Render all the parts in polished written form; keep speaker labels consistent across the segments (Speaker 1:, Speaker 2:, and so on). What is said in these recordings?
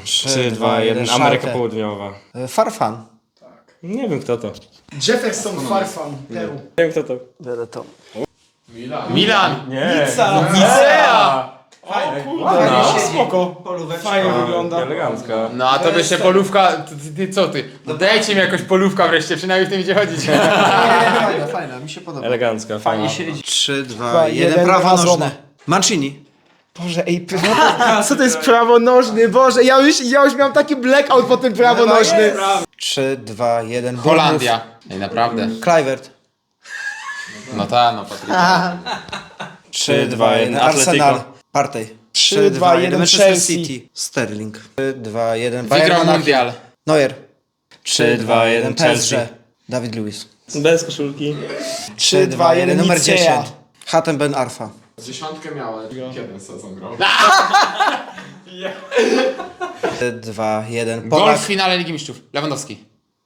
Speaker 1: 3, 2, 1. Ameryka Południowa.
Speaker 2: Farfan.
Speaker 1: Nie wiem kto to.
Speaker 3: Jefferson Farfan, Peru.
Speaker 1: Nie wiem kto to.
Speaker 2: Biorę to.
Speaker 4: Milan!
Speaker 1: Nie.
Speaker 4: Nicea!
Speaker 3: Fajnie spoko. Fajnie wygląda.
Speaker 1: Elegancka.
Speaker 4: No a to by się polówka... Ty co ty? No dajcie mi jakoś polówka wreszcie, przynajmniej w tym idzie chodzić.
Speaker 2: Fajna, fajna, mi się podoba.
Speaker 1: Elegancka.
Speaker 2: Fajnie siedzi. 3, 2,
Speaker 3: Dwa,
Speaker 2: 1.
Speaker 3: jeden,
Speaker 2: Prawonożne. Mancini.
Speaker 3: Boże, ej, co to jest prawonożny? Boże, ja już miałem taki blackout po tym prawonożny.
Speaker 2: 3, 2, 1.
Speaker 4: Holandia. Ej, naprawdę.
Speaker 2: Kluivert.
Speaker 4: No ta, no Patryk.
Speaker 2: 3, 2, 1. Arsenal. Partey.
Speaker 3: 3, 2, 1.
Speaker 2: Manchester
Speaker 3: Chelsea.
Speaker 2: City. Sterling. 3, 2, 1.
Speaker 4: Wygrał mundial.
Speaker 2: Neuer.
Speaker 1: 3, 2, 1.
Speaker 2: PSG.
Speaker 1: Chelsea.
Speaker 2: Dawid Luiz.
Speaker 1: Bez koszulki.
Speaker 3: 3, 2, 1.
Speaker 2: Numer
Speaker 3: Nicea.
Speaker 2: 10. Hatem Ben Arfa.
Speaker 4: Dziesiątkę miała, jeden sezon grał.
Speaker 2: 3, 2, 1.
Speaker 4: Gol
Speaker 2: Polak.
Speaker 4: w finale Ligi Mistrzów. Lewandowski.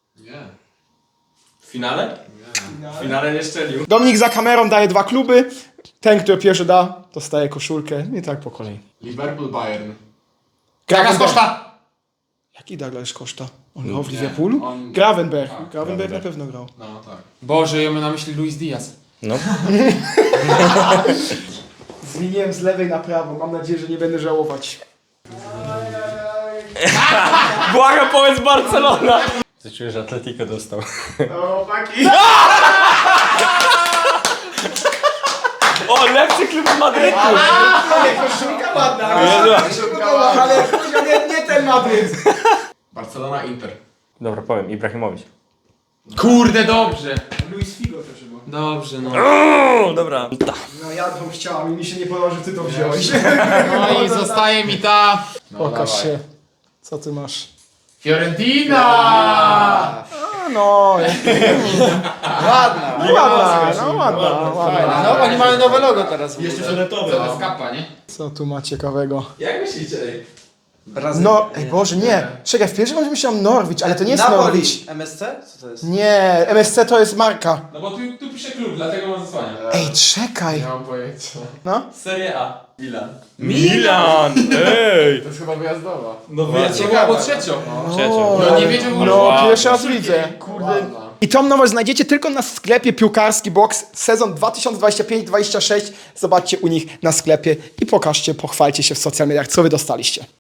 Speaker 1: W finale? W finale nie szczelił.
Speaker 3: Dominik za kamerą daje 2 kluby. Ten, który pierwszy da, dostaje koszulkę. I tak po kolei.
Speaker 4: Liverpool, Bayern.
Speaker 3: Gravenberch.
Speaker 4: Koszta!
Speaker 3: Jaki Douglas Costa? On grał w Liverpoolu? Gravenberch. Gravenberch na pewno grał.
Speaker 4: No tak. Boże, ja mam na myśli Luis Diaz.
Speaker 1: No.
Speaker 3: Zmieniłem z lewej na prawo. Mam nadzieję, że nie będę żałować.
Speaker 1: Błagam, powiedz Barcelona! Czuję, że Atletico dostał. O, lepszy klub z Madrytu!
Speaker 3: Koszulka ładna. Ale kurwa, nie ten Madryt.
Speaker 4: Barcelona, Inter.
Speaker 1: Dobra, powiem, Ibrahimowicz.
Speaker 4: Kurde, dobrze.
Speaker 3: Luis Figo też chyba.
Speaker 4: Dobrze, no.
Speaker 1: Dobra.
Speaker 3: No ja bym chciał, mi się nie podoba, że ty to wziąłeś.
Speaker 4: No i zostaje mi ta... No,
Speaker 3: Pokaż
Speaker 4: dawaj.
Speaker 3: się. Co ty masz?
Speaker 4: Fiorentina!
Speaker 3: No,
Speaker 2: Ładna.
Speaker 3: ładna.
Speaker 2: No, oni mają nowe logo teraz.
Speaker 4: To jest kapa, nie?
Speaker 3: Co tu ma ciekawego?
Speaker 1: Jak myślicie?
Speaker 3: No, ej Boże, nie. Czekaj, w pierwszym momencie myślałem Norwich, ale to nie jest Norwich.
Speaker 2: MSC? Co to jest?
Speaker 3: Nie, MSC to jest marka.
Speaker 4: No bo tu pisze klub, dlatego mam zasłania.
Speaker 3: Ej, czekaj.
Speaker 4: Nie mam pojęcia.
Speaker 3: No.
Speaker 1: Serie A. Milan! Ej!
Speaker 4: To jest chyba wyjazdowa.
Speaker 1: No
Speaker 4: Ciekawe, albo trzecią.
Speaker 1: Trzecią.
Speaker 4: No nie wiedział,
Speaker 3: No,
Speaker 1: Wow.
Speaker 3: pierwszy raz widzę. Kurde. I tą nowość znajdziecie tylko na sklepie Piłkarski Box sezon 2025-26. Zobaczcie u nich na sklepie i pokażcie, pochwalcie się w social mediach, co wy dostaliście.